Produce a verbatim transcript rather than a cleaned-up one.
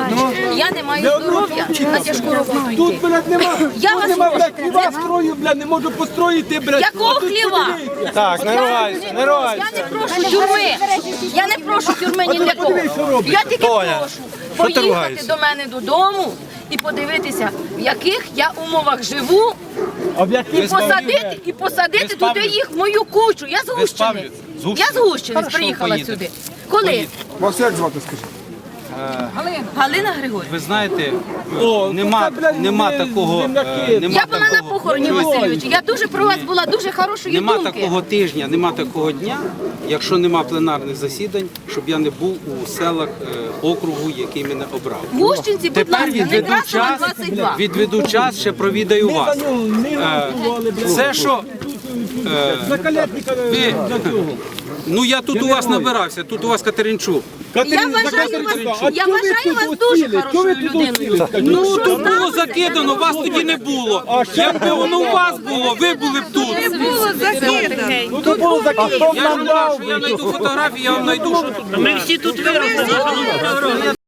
Я не маю здоров'я на тяжку роботу Тут, йти. блядь, нема, Я тут вас нема, прошу, блядь, хліба строю, блядь, не можу построїти, блядь. Якого А тут хліва? подивіться. Так, не ругайся, не ругайся. Я не прошу тюрми. Я не прошу тюрми ні для кого. Я тільки Толя, прошу що ти поїхати ругаєшся? до мене додому і подивитися, в яких я умовах живу, А в яких і посадити, і посадити туди їх в мою кучу. Я з Гущини. З Гущини? Я з Гущини Хорошо, приїхала поїдемо. сюди. Коли? Вас як звати, скажіть? Галина Григорівна. Ви знаєте, О, нема, це, блядь, нема ми такого, земляки. е, нема Я була на такого- похороні Васильовича. Я дуже про вас була дуже хорошої Нема думки. такого тижня, нема такого дня, якщо нема пленарних засідань, щоб я не був у селах е, округу, який мене обрав. В Гущинці, будь Тепер ласка, відведу Некрасова час, двадцять два. відведу час, ще провідаю Ми вас. за нього не голосували, блядь. Все, що За Калєтника ви- за цього. ну я тут у вас набирався, тут у вас Катеринчук. Я Катерина, вважаю Катерина, вас, а я чого ви вважаю тут вас усіли? дуже Чого ви хорошою тут усіли? людиною. Скажіть. Ну, Ну, що то було сталося? закидано, вас тоді не було. Якби воно у вас було, ви були б тут. Ну то було закидано. Я ж кажу, що я знайду фотографії, я вам знайду, що тут було. Ми всі тут виросли.